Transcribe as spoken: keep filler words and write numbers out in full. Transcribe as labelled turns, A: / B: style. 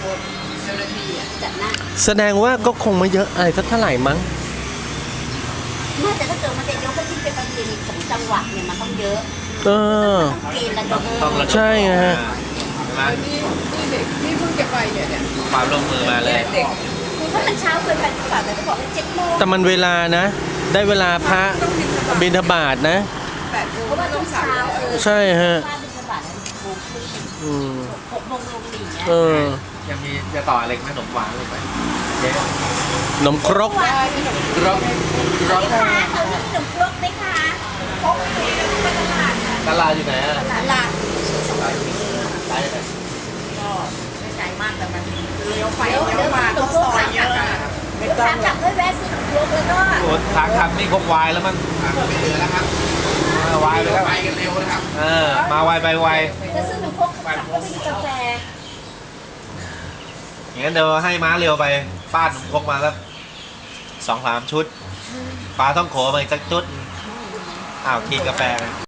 A: คนเจ้าหน้าที่อ่ะจัดหน้า
B: แสดงว่าก็คงไม่เยอะอะไรสักเท่าไหร่มั้ง
A: น่าจะถ้าเกิดมันจะยกก็ที่เป็นประเพณีของจังหวัดเนี่ยมันต้องเยอะ
B: เออ
A: ต้องเกณฑ์ระดม
B: ใช่ไงฮะ
C: นี่นี่เด็กนี่เพิ่งจะไปเนี่ยเนี่ย
D: ความร่วมมือมาเลย
C: เด็ก
A: ถ้ามันเช้าเกินไปกว่าแต่ต้องบอกว่าเจ็ดโมง
B: แต่มันเวลานะ ได้เวลาพระบิณฑบาตนะ
C: แปดโมง
A: เพราะว่าต้องเช้าเออ
B: ใช่ฮะ
A: ว่าบิณฑบาตโมงครึ่ง
B: อืม
A: หกโมงลงหลีเนี่ย
B: เออ
D: ยังมีจะต่ออะไรขนมหวานลงไปเจ๊
B: ขนมครก
D: ครกครก
A: คะเอาขนมครกไหมคะครกที่ไปตลาดค่ะ
D: ตลาดอยู่ไหนอ่ะ
A: ตลาด
D: ไกลไหม
C: ก็ไม่ไกลมากแต่มันเลี้ยวไป
A: เดี๋ยว
C: เลี้ย
A: เดี๋ยว
C: วมา
A: ขน
C: ต้อ
A: ม
C: ง
A: คร
C: ซ
A: ก
C: อย
A: ค่ะ
C: เยอะอะไม่
A: เดี๋ยว
C: ต้อ
A: ขาง กลับด้วยแวะซื้อขนมครกแล้วก็
D: โอ้ทางขับนี่คงวายแล้วมั้งไม่เหลือแล้วครับวายไปแล้วไปกันเร็วนะครับเออมาไวไปไว
A: จะซื้อขนมครกกลับก็ไปกินกาแฟ
D: อย่างนั้นเดี๋ยวให้ม้าเร็วไปป้าขนมครกมาแล้วสองสามชุดปลาต้องโขมาอีกสักชุดอ้าวกินกาแฟ